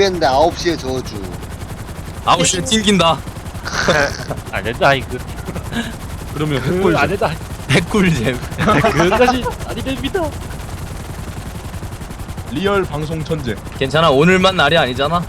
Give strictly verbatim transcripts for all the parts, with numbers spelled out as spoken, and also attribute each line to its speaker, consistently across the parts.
Speaker 1: 준비했는데 아홉 시에 저주.
Speaker 2: 아홉 시에 튕긴다.
Speaker 3: 안 된다 이거.
Speaker 2: 그러면
Speaker 3: 그,
Speaker 2: 핵꿀잼.
Speaker 3: 안 된다.
Speaker 2: 핵꿀잼.
Speaker 3: 그것까지 아니 됩니다.
Speaker 4: 리얼 방송 천재.
Speaker 2: 괜찮아, 오늘만 날이 아니잖아.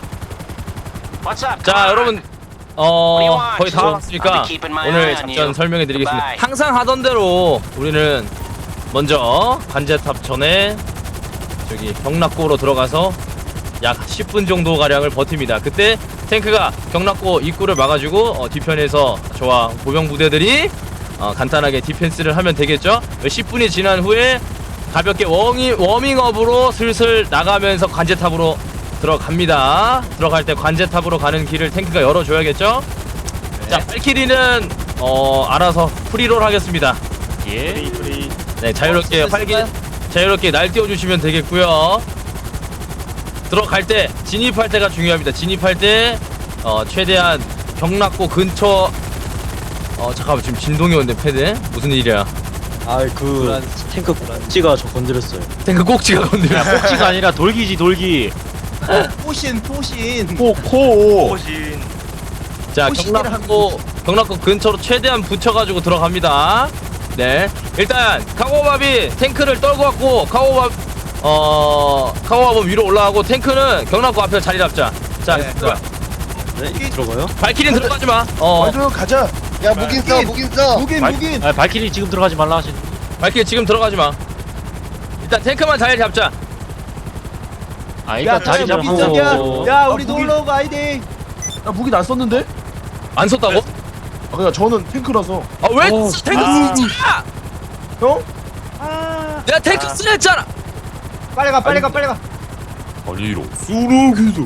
Speaker 2: 자 여러분, 어 거의 다 왔으니까 오늘 작전 설명해 드리겠습니다. 항상 하던 대로 우리는 먼저 관제탑 전에 저기 경락고로 들어가서 약 십 분 정도 가량을 버팁니다. 그때 탱크가 경락고 입구를 막아주고 어, 뒤편에서 저와 보병 부대들이 어, 간단하게 디펜스를 하면 되겠죠. 십 분이 지난 후에 가볍게 워밍, 워밍업으로 슬슬 나가면서 관제탑으로 들어갑니다. 들어갈 때 관제탑으로 가는 길을 탱크가 열어줘야겠죠. 네. 자, 발키리는 어 알아서 프리롤 하겠습니다.
Speaker 3: 예.
Speaker 4: 프리 프리.
Speaker 2: 네, 자유롭게
Speaker 1: 어,
Speaker 2: 활기 자유롭게 날뛰어 주시면 되겠고요. 들어갈 때 진입할 때가 중요합니다. 진입할 때 어 최대한 경락고 근처. 어 잠깐만, 지금 진동이 오는데 패드 무슨 일이야?
Speaker 5: 아그 탱크 꼭지가 저 건드렸어요.
Speaker 2: 탱크 꼭지가 건드려.
Speaker 3: 야, 꼭지가 아니라 돌기지 돌기.
Speaker 6: 포신 포신
Speaker 4: 코코.
Speaker 2: 자,
Speaker 6: 호시기를
Speaker 2: 경락고 경락고 근처로 최대한 붙여가지고 들어갑니다. 네, 일단 카고밥이 탱크를 떨고 왔고 카고밥 어 카고밥은 위로 올라가고 탱크는 경락고 앞에 자리 잡자. 자,
Speaker 6: 네.
Speaker 2: 들어가.
Speaker 5: 네 들어가요?
Speaker 2: 발키리는 들어가지 마. 어,
Speaker 4: 완전 가자.
Speaker 1: 야 무긴 써 무긴 써.
Speaker 6: 무긴
Speaker 3: 발,
Speaker 6: 무긴
Speaker 3: 아, 발키리 지금 들어가지 말라 하신.
Speaker 2: 발키리 지금 들어가지 마. 일단 탱크만 자리 잡자.
Speaker 3: 아, 이거 자리
Speaker 6: 무긴
Speaker 3: 잡고.
Speaker 6: 써. 야, 야 우리
Speaker 4: 아, 무긴-
Speaker 6: 놀러 오고 아이디
Speaker 4: 나 무기 안 썼는데?
Speaker 2: 안 썼다고?
Speaker 4: 아 그냥 저는 탱크라서.
Speaker 2: 아, 왜
Speaker 4: 어,
Speaker 2: 탱크
Speaker 4: 아.
Speaker 2: 쓰냐?
Speaker 4: 형?
Speaker 2: 내가 탱크 쓰려 했잖아.
Speaker 6: 빨리 가 빨리 가 빨리 가
Speaker 4: 아니로. 수루기도.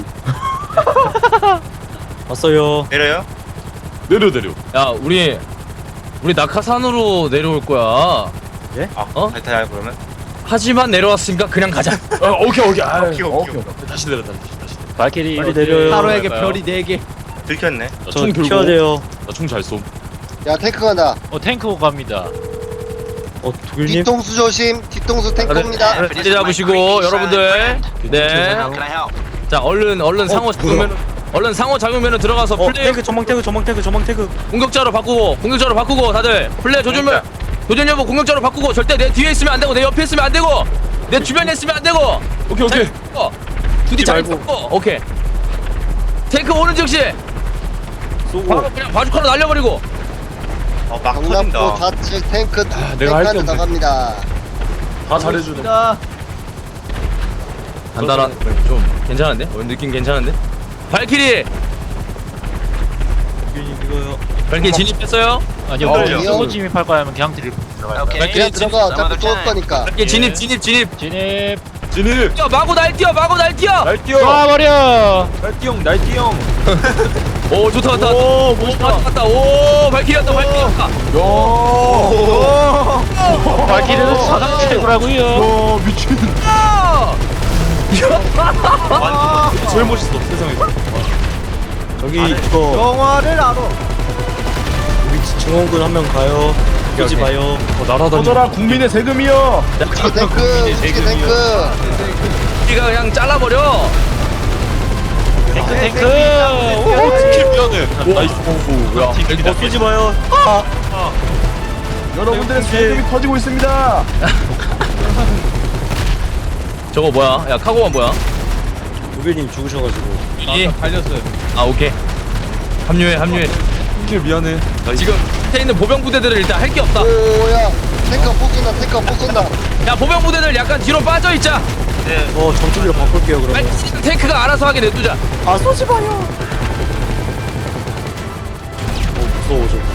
Speaker 5: 왔어요.
Speaker 7: 내려요?
Speaker 4: 내려 내려.
Speaker 2: 야, 우리 우리 낙하산으로 내려올 거야.
Speaker 7: 아,
Speaker 2: 어?
Speaker 7: 잘 타요 그러면?
Speaker 2: 하지만 내려왔으니까 그냥 가자.
Speaker 4: 아 오케이 오케이. 아,
Speaker 7: 오케이, 오케이,
Speaker 4: 다시 내려 다시 다시.
Speaker 3: 발키리
Speaker 5: 빨리
Speaker 3: 어디-
Speaker 5: 내려요.
Speaker 6: 하루에게
Speaker 4: 갈까요?
Speaker 6: 별이 네개
Speaker 7: 들켰네.
Speaker 5: 저 튀어야 돼요.
Speaker 4: 나총 잘 쏨.
Speaker 1: 야 탱크 간다.
Speaker 3: 어 탱크 갑니다.
Speaker 5: 어 독일님?
Speaker 1: 뒤통수 조심. 뒤통수 탱크입니다.
Speaker 2: 자리 잡으시고 여러분들. 네. 자, 얼른 얼른 상호 작용면 얼른 상호 작용면으로 들어가서
Speaker 5: 어
Speaker 2: 플레이
Speaker 5: 탱크 전망 탱크 전망 탱크 전망 탱크.
Speaker 2: 공격자로 바꾸고 공격자로 바꾸고 다들 플레이 조준면 도전 여부 공격자로 바꾸고 절대 내 뒤에 있으면 안 되고 내 옆에 있으면 안 되고 내 주변에 있으면 안 되고.
Speaker 4: 오케이 오케이.
Speaker 2: 어, 두디 잘
Speaker 5: 말고.
Speaker 2: 잡고. 오케이. 탱크 오는 즉시
Speaker 5: 쏘고.
Speaker 2: 바로 그냥 바주카로 날려버리고.
Speaker 7: 어, 막
Speaker 1: 경납고
Speaker 7: 터진다.
Speaker 1: 좌측 탱크
Speaker 4: 내가 할게
Speaker 1: 탱크한테
Speaker 4: 없네.
Speaker 1: 나갑니다.
Speaker 4: 다 잘해주네.
Speaker 2: 간단한 좀 괜찮은데? 어, 느낌 괜찮은데? 발키리!
Speaker 5: 독일님 이거요.
Speaker 2: 발키리 진입했어요?
Speaker 3: 아니요.
Speaker 1: 어,
Speaker 3: 그래요.
Speaker 1: 이형.
Speaker 3: 쏘고 진입할 거야 하면 그냥 드릴.
Speaker 2: 발키리
Speaker 1: 그냥
Speaker 2: 진입,
Speaker 1: 들어가. 어차피 쏠 거니까.
Speaker 2: 발키리 진입 진입 진입.
Speaker 3: 진입.
Speaker 4: 진입.
Speaker 2: 뛰어 마구 날 뛰어 마구 날 뛰어.
Speaker 4: 날 뛰어.
Speaker 3: 쏴버려.
Speaker 4: 날뛰형 날뛰형.
Speaker 2: 오 좋다 좋다.
Speaker 4: 오
Speaker 2: 오
Speaker 4: 멋있다.
Speaker 2: 왔다 왔다. 오 발키리 왔다 발키리 왔다.
Speaker 4: 야.
Speaker 3: 발키리는 사상 최고라고요.
Speaker 4: 와 미친.
Speaker 2: 아!
Speaker 4: 제일 멋있어 세상에서.
Speaker 5: 저기 이거
Speaker 6: 영화를 알아
Speaker 5: 우리 증원군 한 명 가요. 끄지
Speaker 2: 오케이.
Speaker 5: 마요.
Speaker 4: 어 날아다니. 터져라 국민의 세금이여.
Speaker 1: 우측에 탱크. 우측에 탱크.
Speaker 2: 우리가 그냥 잘라버려.
Speaker 3: 탱크 탱크.
Speaker 4: 오 스킬 미안해. 나이스. 오, 야.
Speaker 5: 어 끄지 마요.
Speaker 4: 여러분들의 세금이 터지고 있습니다.
Speaker 2: 저거 뭐야? 야 카고만 뭐야?
Speaker 5: 독일님 죽으셔가지고.
Speaker 2: 이 달렸어요. 아 오케이. 합류해 합류해.
Speaker 4: 스킬 미안해.
Speaker 2: 지금 밑에 있는 보병 부대들을 일단 할 게 없다.
Speaker 1: 오야 탱크 못 쏜다. 탱크 못 쏜다.
Speaker 2: 야 보병 부대들 약간 뒤로 빠져 있자.
Speaker 5: 어 전투기로 바꿀게요
Speaker 2: 빨리
Speaker 5: 그러면.
Speaker 2: 탱크가 알아서 하게 냅두자.
Speaker 5: 아 쏘지 마요. 어 무서워 저.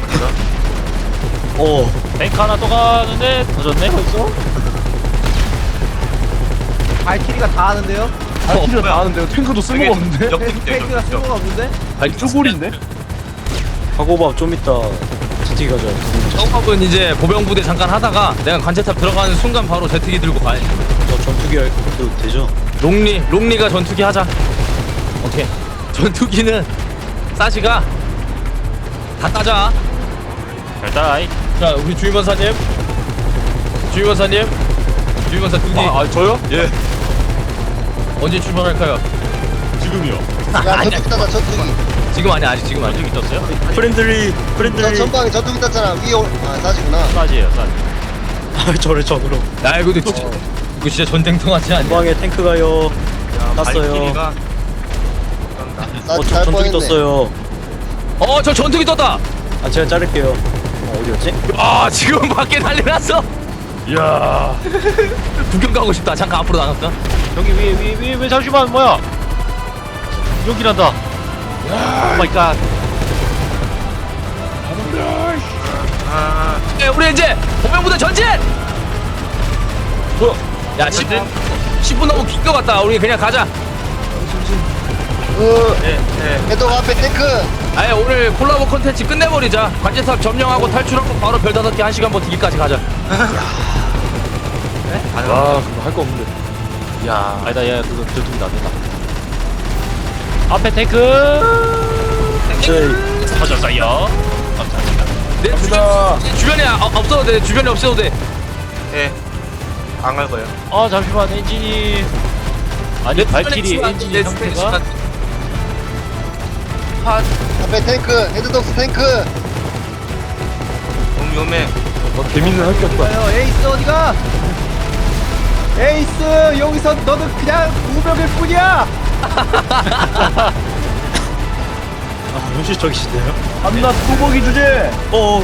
Speaker 5: 어
Speaker 3: 탱크 하나 또 가는데 터졌네 벌써.
Speaker 6: 발키리가 다 하는데요
Speaker 4: 발키리가 다 하는데요. 탱크도 쓸모가 없는데.
Speaker 6: 탱크가 쓸모가 없는데
Speaker 4: 쭈골인데?
Speaker 5: 가고밥 좀 이따 제트기 가자.
Speaker 2: 처음은 이제 보병 부대 잠깐 하다가 내가 관제탑 들어가는 순간 바로 제트기 들고 가야 돼.
Speaker 5: 저 전투기 해도 되죠?
Speaker 2: 롱리 롱리가 전투기 하자. 오케이. 전투기는 사시가 다 따자.
Speaker 3: 일단
Speaker 2: 자 우리 주임원사님, 주임원사님, 주임원사 두기
Speaker 4: 아, 아 저요? 예.
Speaker 2: 언제 출발할까요?
Speaker 4: 지금이요.
Speaker 1: 야 전투기 땄다 전투기.
Speaker 2: 지금 아니야 아직 지금 아니야.
Speaker 3: 전투기 떴어요?
Speaker 5: 프렌들리
Speaker 1: 저
Speaker 5: 프렌들리.
Speaker 1: 전방에 전투기 땄잖아. 위에 올. 아 사지구나.
Speaker 3: 싸지예요 싸지.
Speaker 5: 아 저를 적으로.
Speaker 2: 야 이거 진짜 이거 진짜 전쟁통 같지 않냐?
Speaker 5: 전방에 탱크 가요. 땄어요.
Speaker 7: 발키리가
Speaker 5: 어,
Speaker 1: 사지
Speaker 5: 저
Speaker 1: 잘
Speaker 5: 전투기
Speaker 1: 뻔했네.
Speaker 5: 떴어요.
Speaker 2: 어 저 전투기 떴다.
Speaker 5: 아 제가 자를게요. 어, 어디였지?
Speaker 2: 아 지금 밖에 난리 났어.
Speaker 4: 이야.
Speaker 2: 구경 가고 싶다. 잠깐 앞으로 나갈까?
Speaker 3: 여기 위에 위에 위에 왜 잠시만 뭐야? 여기란다. 오 마이 갓.
Speaker 2: 네, 우리 이제 보병부대 전진.
Speaker 4: 뭐야?
Speaker 2: 야 십 분 십 분 너무 긴 것 같다. 우리 그냥 가자.
Speaker 1: 해독 앞에 탱크.
Speaker 2: 아예 오늘 콜라보 콘텐츠 끝내버리자. 관제탑 점령하고 탈출하고 바로 별 다섯 개 한 시간 버티기까지 가자.
Speaker 4: 아 그거 할 거 없는데.
Speaker 3: 야 아니다 야 그거 전투기도 안 된다. 앞에 탱크.
Speaker 5: 저희
Speaker 3: 터졌어요. 감사합니다.
Speaker 2: 내 주변, 내 주변에 아, 없어도 돼. 주변에 없어도 돼.
Speaker 7: 예. 안 갈 거예요.
Speaker 3: 아 잠시만 엔진이 아니
Speaker 2: 내
Speaker 3: 발키리
Speaker 2: 주변에
Speaker 3: 엔진이
Speaker 2: 내
Speaker 3: 상태가
Speaker 2: 주변에
Speaker 1: 앞에 탱크. 헤드독스 탱크.
Speaker 7: 너무 위험해.
Speaker 4: 어, 재밌는 할 게 없다.
Speaker 6: 아유 에이스 어디가? 에이스 여기서 너는 그냥 무병일 뿐이야.
Speaker 5: 아 현실적이시네요.
Speaker 6: 밤낮 소고기 주제.
Speaker 5: 어.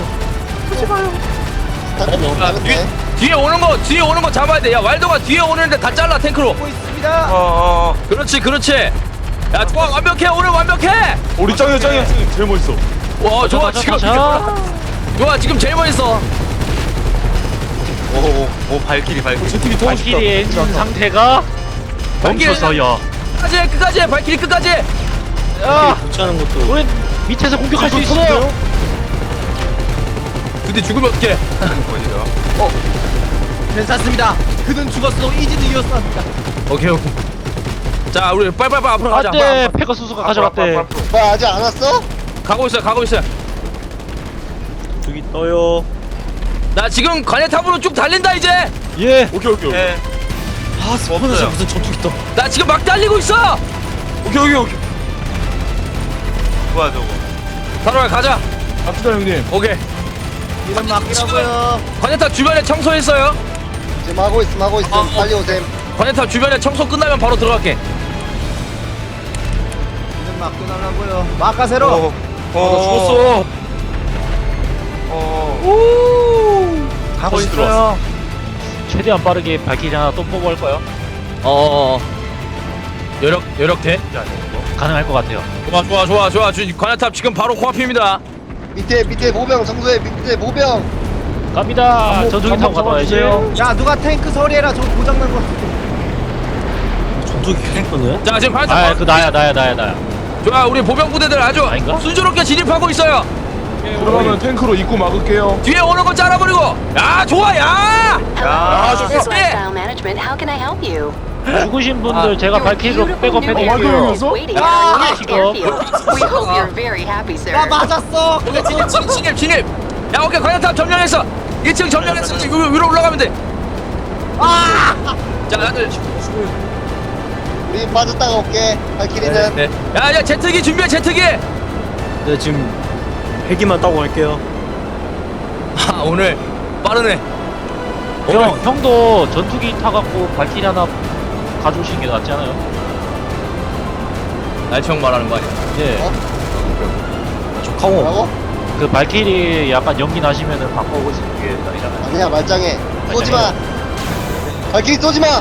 Speaker 1: 탱크 너무
Speaker 2: 야, 뒤에,
Speaker 1: 작은데.
Speaker 2: 뒤에 오는 거 뒤에 오는 거 잡아야 돼. 야 왈도가 뒤에 오는데 다 잘라 탱크로.
Speaker 6: 보고 있습니다.
Speaker 7: 어어.
Speaker 2: 그렇지 그렇지. 야 좋아 완벽해 오늘 완벽해.
Speaker 4: 우리 짱이야 짱이야 짱이 제일 멋있어.
Speaker 2: 와 좋아
Speaker 3: 자,
Speaker 2: 지금
Speaker 3: 자, 자.
Speaker 2: 좋아 지금 제일 멋있어.
Speaker 7: 오오 오 발키리 발키리.
Speaker 4: 제트기 타고 싶다.
Speaker 3: 발키리 엔진 상태가 멈췄어요.
Speaker 2: 끝까지 해, 끝까지 해. 발키리 끝까지 해.
Speaker 3: 야
Speaker 5: 교체하는 것도.
Speaker 3: 우리 밑에서 공격할 수 있어.
Speaker 2: 근데 죽으면 어떡해.
Speaker 7: 어디요?
Speaker 6: 괜찮습니다. 그는 죽었어. 이지는 이었습니다.
Speaker 2: 오케이 오케이. 자 우리 빨빨빨 앞으로 가자.
Speaker 3: 안돼
Speaker 2: 빨리, 빨리.
Speaker 3: 페가수스가 가져갔대.
Speaker 1: 뭐 아직 안 왔어?
Speaker 2: 가고 있어 가고 있어.
Speaker 5: 저기 떠요.
Speaker 2: 나 지금 관예탑으로 쭉 달린다 이제.
Speaker 3: 예.
Speaker 4: 오케이 오케이 오케이.
Speaker 7: 예.
Speaker 5: 아 스포너서
Speaker 7: 없어요.
Speaker 5: 무슨 전투기 떠.
Speaker 2: 나 지금 막 달리고 있어.
Speaker 4: 오케이 오케이 오케이.
Speaker 7: 좋아 저거.
Speaker 2: 바로 가자.
Speaker 4: 갑시다 형님.
Speaker 2: 오케이.
Speaker 6: 이런 막기라고요.
Speaker 2: 관예탑 주변에 청소했어요.
Speaker 1: 지금 하고 있음 하고 있음.
Speaker 2: 어, 어.
Speaker 1: 빨리 오셈.
Speaker 2: 관예탑 주변에 청소 끝나면 바로 들어갈게.
Speaker 6: 이런 막겨달라고요. 막가세로.
Speaker 7: 어.
Speaker 4: 어, 죽었어.
Speaker 7: 어. 가고
Speaker 3: 거의
Speaker 7: 있어요.
Speaker 3: 최대한 빠르게 발키리 하나 또 뽑아 할 거예요.
Speaker 2: 어어어. 여력 여력 돼?
Speaker 3: 가능할 것 같아요.
Speaker 2: 좋아 좋아 좋아 좋아. 주, 관예탑 지금 바로 코앞입니다.
Speaker 1: 밑에 밑에 보병 청소해. 밑에 보병.
Speaker 3: 갑니다. 전투기 타고 갔다 와야지.
Speaker 6: 야 누가 탱크 처리해라. 저 고장난 거.
Speaker 5: 전투기 탱크네.
Speaker 2: 자 지금 관예탑.
Speaker 3: 아그 나야 나야 나야 나야.
Speaker 2: 좋아 우리 보병 부대들 아주
Speaker 3: 아닌가?
Speaker 2: 순조롭게 진입하고 있어요.
Speaker 4: 그러면 탱크로 입구 막을게요.
Speaker 2: 뒤에 오는 거 잘라버리고. 야 좋아 야.
Speaker 7: 야.
Speaker 8: This is
Speaker 2: 저-
Speaker 8: Lifestyle Management. How can I help you?
Speaker 3: 죽으신 분들 제가 발키리로
Speaker 8: Beautiful new
Speaker 3: 백업해드릴게요.
Speaker 8: airfield is waiting
Speaker 6: Ah!
Speaker 8: at our next
Speaker 3: 지금.
Speaker 8: airfield. We hope you're very happy, sir.
Speaker 6: 나 맞았어.
Speaker 2: 오케이 진입 진입 진입 진입. 야 오케이 관예탑 점령했어. 일 층 점령했어. 지금 위로, 위로 올라가면 돼. 아. 자 다들.
Speaker 1: 우리 빠졌다가 올게. 발키리는.
Speaker 2: 네. 야야 제트기 준비해 제트기.
Speaker 5: 네 지금 헬기만 따고 갈게요.
Speaker 2: 아 오늘 빠르네.
Speaker 3: 형 형도 전투기 타갖고 발키리 하나 가져오시는 게 낫지 않아요?
Speaker 2: 날청 말하는 거 아니야?
Speaker 3: 예.
Speaker 1: 어?
Speaker 5: 저 카고.
Speaker 1: 뭐라고?
Speaker 3: 그 발키리 약간 연기 나시면은 바꿔보시는 게 낫잖아요.
Speaker 1: 아니야 말짱해. 쏘지 마. 발키리 쏘지 마.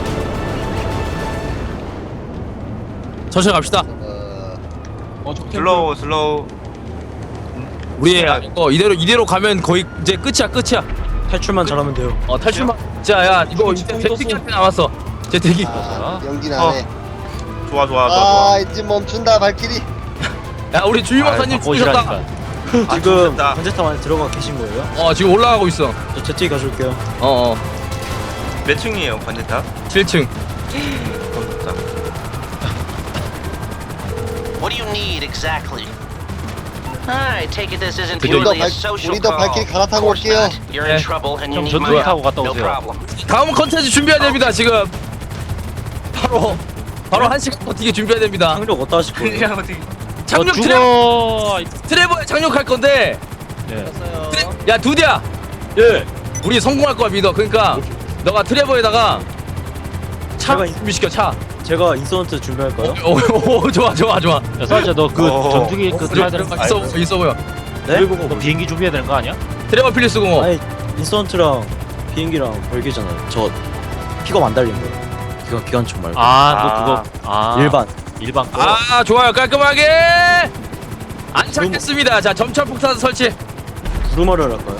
Speaker 2: 천천히 갑시다.
Speaker 1: 어,
Speaker 7: 슬로우 슬로우.
Speaker 2: 우리 이거 이대로 이대로 가면 거의 이제 끝이야 끝이야.
Speaker 5: 탈출만 잘하면 돼요.
Speaker 2: 어 탈출만. 자야 이거 이제 제트기한테 남았어. 제트기.
Speaker 1: 아, 연기
Speaker 7: 어.
Speaker 1: 나네.
Speaker 7: 좋아 좋아 좋아
Speaker 1: 아, 이제 멈춘다 발키리.
Speaker 2: 야 우리 주임원사님 죽으셨다.
Speaker 3: 바꿔오시라니까.
Speaker 5: 지금
Speaker 7: 좋겠다.
Speaker 5: 관제탑 안에 들어가 계신 거예요?
Speaker 2: 어 지금 올라가고 있어.
Speaker 5: 저 제트기 가져올게요.
Speaker 2: 어어
Speaker 7: 좋아. 몇 층이에요 관제탑?
Speaker 2: 칠 층.
Speaker 7: 좋다.
Speaker 9: What do you need exactly? I take it this isn't
Speaker 2: 우리도
Speaker 9: purely a
Speaker 1: 발-
Speaker 9: social
Speaker 1: 우리도
Speaker 9: call.
Speaker 1: 발키리 갈아타고
Speaker 9: Of course
Speaker 1: 올게요.
Speaker 9: not. You're in
Speaker 2: 네.
Speaker 9: trouble and you
Speaker 3: 형
Speaker 9: need
Speaker 3: 전투기
Speaker 9: my
Speaker 3: 타고
Speaker 9: help.
Speaker 3: 갔다
Speaker 9: No
Speaker 3: 오세요.
Speaker 9: problem.
Speaker 2: 다음 컨텐츠 준비해야 됩니다 지금. 바로 바로 한 시간 버티게 준비해야 됩니다.
Speaker 5: 상륙 어디다 하실 거예요?
Speaker 7: 그냥 어떻게
Speaker 2: 착륙
Speaker 3: 어,
Speaker 2: 트랩
Speaker 3: 죽어.
Speaker 2: 트레버에 착륙할 건데.
Speaker 3: 예.
Speaker 2: 트레... 야 두디야,
Speaker 5: 예.
Speaker 2: 우리 성공할 거야 믿어. 그러니까 너가 트레버에다가 차
Speaker 5: 제가 이-
Speaker 2: 준비시켜 차.
Speaker 5: 제가 인서턴트 준비할까요?
Speaker 2: 오, 오, 오 좋아 좋아 좋아.
Speaker 3: 야 사자 너 그
Speaker 7: 어.
Speaker 3: 전투기 그 타야 되는 거
Speaker 2: 있어
Speaker 3: 아니야?
Speaker 2: 있어 보여.
Speaker 5: 네?
Speaker 3: 너 비행기 준비해야 되는 거 아니야?
Speaker 2: 트레버 필리스 공업.
Speaker 5: 아니 인서턴트랑 비행기랑 별개잖아요. 저 픽업 안 달린 거예요. 기관 기관총 말고
Speaker 3: 아 너
Speaker 7: 아.
Speaker 3: 그거 아
Speaker 5: 일반.
Speaker 3: 일반 거.
Speaker 2: 아 좋아요 깔끔하게 안착했습니다. 자 점철 폭탄 설치.
Speaker 5: 구루마를 할까요?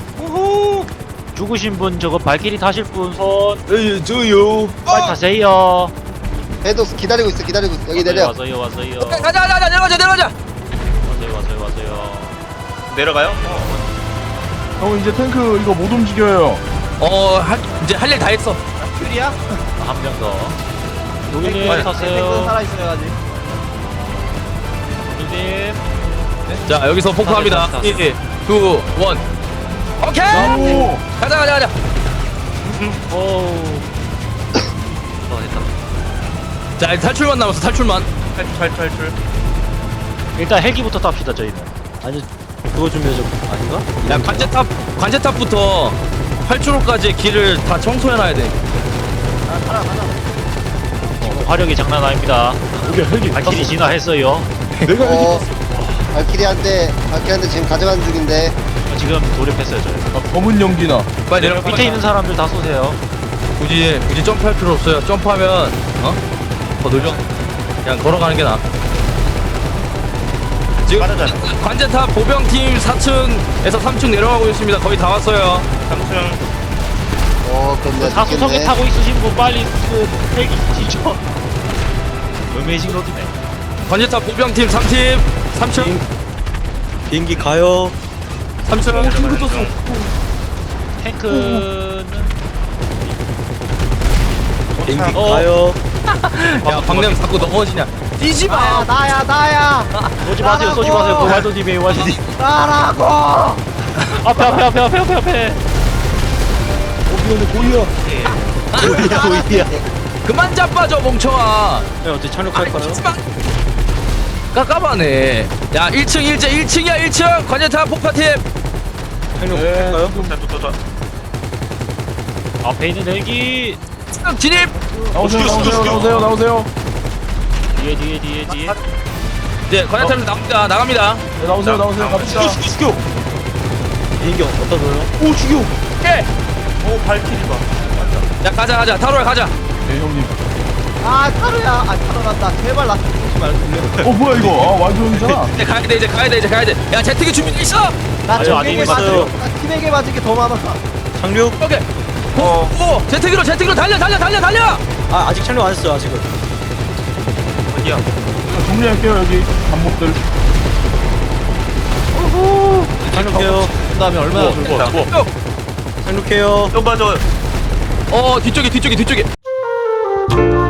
Speaker 3: 죽으신 분 저거 발길이 타실 분 손
Speaker 5: 예, 저요.
Speaker 3: 빨리 타세요.
Speaker 1: 해도 기다리고 있어 기다리고 있어 여기 내려.
Speaker 3: 와서요 와서요
Speaker 2: 오케이, 가자 가자 가자 내려가자 내려가자.
Speaker 3: 와서요 와서요 와서요.
Speaker 7: 내려가요?
Speaker 4: 형 이제 탱크 이거 못 움직여요.
Speaker 2: 어 할, 이제 할 일 다 했어.
Speaker 6: 퓨리야?
Speaker 3: 한 명 더.
Speaker 6: 탱크
Speaker 3: 노기님
Speaker 6: 탱크
Speaker 3: 타세요.
Speaker 6: 살아있어요 아직.
Speaker 3: 노기님.
Speaker 2: 자 여기서 폭파합니다.
Speaker 3: 다
Speaker 2: 삼, 이, 이, 일. 오케이.
Speaker 4: 오.
Speaker 2: 가자 가자 가자.
Speaker 3: 오.
Speaker 2: 자 이제 탈출만 남았어 탈출만.
Speaker 7: 탈출 탈출 탈출.
Speaker 3: 일단 헬기부터 탑시다 저희는.
Speaker 5: 아니 그거 준비하죠. 아닌가?
Speaker 2: 야 관제탑 관제탑부터 활주로까지 길을 다 청소해놔야 돼.
Speaker 3: 어, 화력이 장난 아닙니다.
Speaker 4: 여기 헬기.
Speaker 3: 발길이 진화했어요.
Speaker 4: 내가 헬기.
Speaker 1: 어 발키리한테 발키리한테 지금 가져가는 중인데.
Speaker 3: 지금 돌입했어요 저희.
Speaker 4: 아, 검은 연기나.
Speaker 2: 빨리 내려.
Speaker 3: 밑에 있는 사람들 다 쏘세요.
Speaker 2: 굳이 굳이 점프할 필요 없어요. 점프하면 어? 더 느려. 그냥 걸어가는 게 나아. 지금
Speaker 7: 빠르잖아.
Speaker 2: 관제탑 보병팀 사 층에서 삼 층 내려가고 있습니다. 거의 다 왔어요.
Speaker 7: 삼 층.
Speaker 1: 어 그럼 내가
Speaker 3: 사수석에
Speaker 1: 죽겠네.
Speaker 3: 타고 있으신 분 빨리 그 헬기 지죠. 어메이징 로드네.
Speaker 2: 관제탑 보병팀 삼 팀 삼 층
Speaker 5: 비행기 가요.
Speaker 2: 삼 층.
Speaker 3: 탱크는
Speaker 5: 비행기
Speaker 3: 어.
Speaker 5: 가요.
Speaker 2: 야 박냄 자꾸 넘어지냐. 뛰지
Speaker 6: 나야
Speaker 2: 마.
Speaker 6: 나야 나야.
Speaker 3: 쏘지 마세요 쏘지 마세요. 그 와도님이 와도님.
Speaker 6: 나라고.
Speaker 3: 앞에 앞에 앞에 앞에 앞에 앞에.
Speaker 5: 고이야. 고이야 고이야.
Speaker 2: 그만 자빠져 멍청아.
Speaker 5: 네 어떻게 착륙할까요?
Speaker 2: 하지마. 깝깝하네. 야 일 층 일제 일 층이야 일 층 관제탑 폭파팀.
Speaker 5: 착륙할까요?
Speaker 7: 자, 또, 또, 또.
Speaker 3: 앞에 있는 헬기.
Speaker 2: 진입.
Speaker 4: 나오세요 나오세요 나오세요 나오세요.
Speaker 3: 뒤에 뒤에 뒤에 뒤에.
Speaker 2: 이제 관제탑 나갑니다 나갑니다.
Speaker 4: 네, 나오세요 나오세요 갑시다.
Speaker 5: 죽여. 비행기 어디다 둬요?
Speaker 4: 오 죽여.
Speaker 2: 오케이.
Speaker 7: 오 발키리 봐.
Speaker 2: 야 가자 가자 타로야 가자.
Speaker 4: 네 형님.
Speaker 6: 아 타로야. 아 타로 난다. 제발 나 죽지 말고.
Speaker 4: 어 뭐야 이거? 아 완전이잖아.
Speaker 2: 이제 가야 돼 이제 가야 돼 이제 가야 돼. 야 제트기 준비돼 있어.
Speaker 6: 나
Speaker 3: 아유,
Speaker 6: 적에게
Speaker 3: 아니,
Speaker 6: 맞은
Speaker 5: 있어요.
Speaker 6: 나 팀에게 맞은 게 더 많아.
Speaker 5: 착륙.
Speaker 2: 오케이.
Speaker 7: 어.
Speaker 2: 오 제트기로 제트기로 달려 달려 달려 달려.
Speaker 5: 아 아직 착륙 안 했어요 아직은.
Speaker 7: 어디야?
Speaker 4: 자, 정리할게요 여기 반목들.
Speaker 5: 착륙해요.
Speaker 6: 그 다음에 얼마나
Speaker 7: 뭐,
Speaker 6: 줄고.
Speaker 7: 뭐, 뭐.
Speaker 5: 착륙해요.
Speaker 7: 좀 봐줘.
Speaker 2: 어 뒤쪽에 뒤쪽에 뒤쪽에.